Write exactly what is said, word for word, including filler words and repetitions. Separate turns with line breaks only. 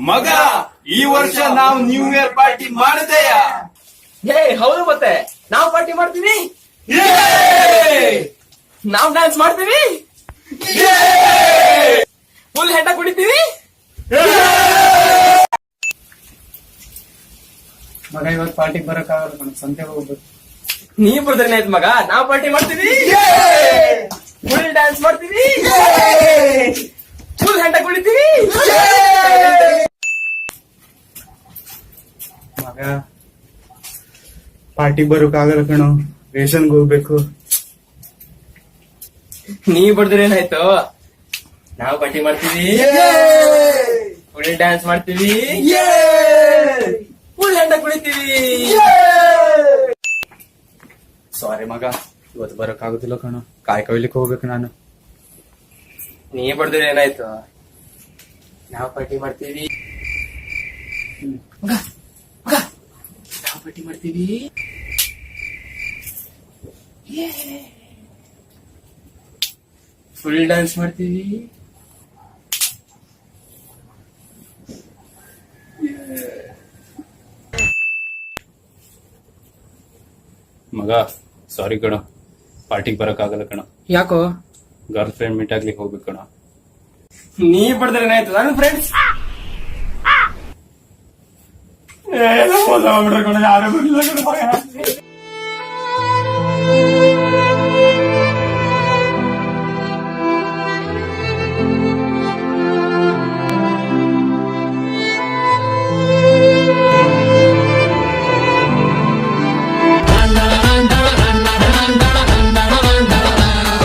ಮಗ ಈ ವರ್ಷ ನಾವು ನ್ಯೂ ಇಯರ್ ಪಾರ್ಟಿ ಮಾಡದೆಯ?
ಏ ಹೌದು, ಮತ್ತೆ ನಾವು ಪಾರ್ಟಿ ಮಾಡ್ತೀವಿ, ನಾವು ಡ್ಯಾನ್ಸ್ ಮಾಡ್ತೀವಿ, ಫುಲ್ ಹೆಂಡ ಕುಡಿತೀವಿ.
ಮಗ ಇವತ್ತು ಪಾರ್ಟಿಗೆ ಬರಕ್ಕಾಗಲ್ಲ, ನನಗೆ ಸಂತೆಗೆ ಹೋಗ್ಬೇಕು.
ನೀ ಬರ್ದ್ರೆ ಆಯ್ತು ಮಗ, ನಾವು ಪಾರ್ಟಿ ಮಾಡ್ತೀವಿ, ಫುಲ್ ಡ್ಯಾನ್ಸ್ ಮಾಡ್ತೀವಿ, ಫುಲ್ ಹೆಂಡ ಕುಡಿತೀವಿ.
ಮಗ ಪಾರ್ಟಿಗೆ ಬರೋಕ್ಕಾಗಲ್ಲ ಕಣೋ, ರೇಷನ್ಗೆ ಹೋಗ್ಬೇಕು.
ನೀ ಬರ್ದ್ರೆ ಏನಾಯ್ತು, ನಾವು ಪಾರ್ಟಿ ಮಾಡ್ತೀವಿ, ಫುಲ್ ಡ್ಯಾನ್ಸ್ ಮಾಡ್ತೀವಿ, ಫುಲ್ ಹೆಂಡ ಕುಡಿತೀವಿ.
ಸಾರಿ ಮಗ, ಇವತ್ತು ಬರೋಕ್ಕಾಗುದಿಲ್ಲ ಕಣೋ, ಕಾಯಿ ಕೊಯ್ಲಿಕ್ಕೆ ಹೋಗ್ಬೇಕು ನಾನು.
ನೀ ಬರ್ದ್ರೆ ಏನಾಯ್ತು, ನಾವು ಪಾರ್ಟಿ ಮಾಡ್ತೀವಿ, ಮಗ ಮಗ ನಾವು ಪಾರ್ಟಿ ಮಾಡ್ತೀವಿ, ಫುಲ್ ಡ್ಯಾನ್ಸ್ ಮಾಡ್ತೀವಿ.
ಮಗ ಸಾರಿ ಕಣ, ಪಾರ್ಟಿಗೆ ಬರಕ್ಕಾಗಲ್ಲ ಕಣ.
ಯಾಕೋ?
ಗರ್ಲ್ ಫ್ರೆಂಡ್ ಮೀಟ್ ಆಗ್ಲಿಕ್ಕೆ ಹೋಗ್ಬೇಕು ಕಣ.
ನೀ ಬರ್ದ್ರೆ ಏನಾಯ್ತು, ನನ್ನ ಫ್ರೆಂಡ್ಸ್
ಯಾರು ಬರ್ಲಿಲ್ಲ ಕಣ ಮಗ.